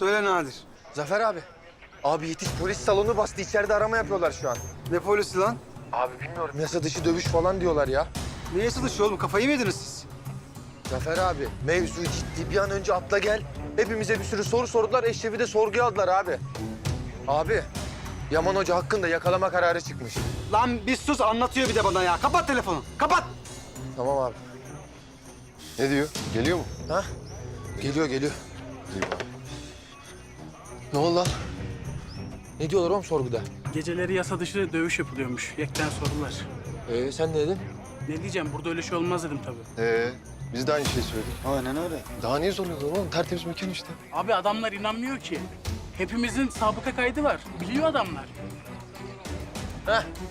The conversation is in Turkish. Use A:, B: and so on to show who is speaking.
A: Söyle Nadir.
B: Zafer abi. Abi yetiş, polis salonu bastı. İçeride arama yapıyorlar şu an.
A: Ne polisi lan?
B: Abi bilmiyorum. Yasa dışı dövüş falan diyorlar ya.
A: Ne yasılışı oğlum? Kafayı mı yediniz siz?
B: Zafer abi, mevzu ciddi. Bir an önce atla gel. Hepimize bir sürü soru sordular. Eşrefi de sorguya aldılar abi. Abi, Yaman Hoca hakkında yakalama kararı çıkmış.
A: Lan bir sus, anlatıyor bir de bana ya. Kapat telefonu, kapat!
B: Tamam abi.
C: Ne diyor? Geliyor mu?
B: Ha? Geliyor, geliyor.
C: İyi bari.
B: Ne oldu lan? Ne diyorlar oğlum sorguda?
D: Geceleri yasa dışı dövüş yapılıyormuş. Yekten sorular.
B: Sen ne dedin?
D: Ne diyeceğim? Burada öyle şey olmaz dedim tabii.
C: Biz de aynı şeyi söyledik.
A: Aynen öyle.
C: Daha niye soruyorlar oğlum? Tertemiz mekan işte.
D: Abi adamlar inanmıyor ki. Hepimizin sabıka kaydı var. Biliyor adamlar.
B: Heh,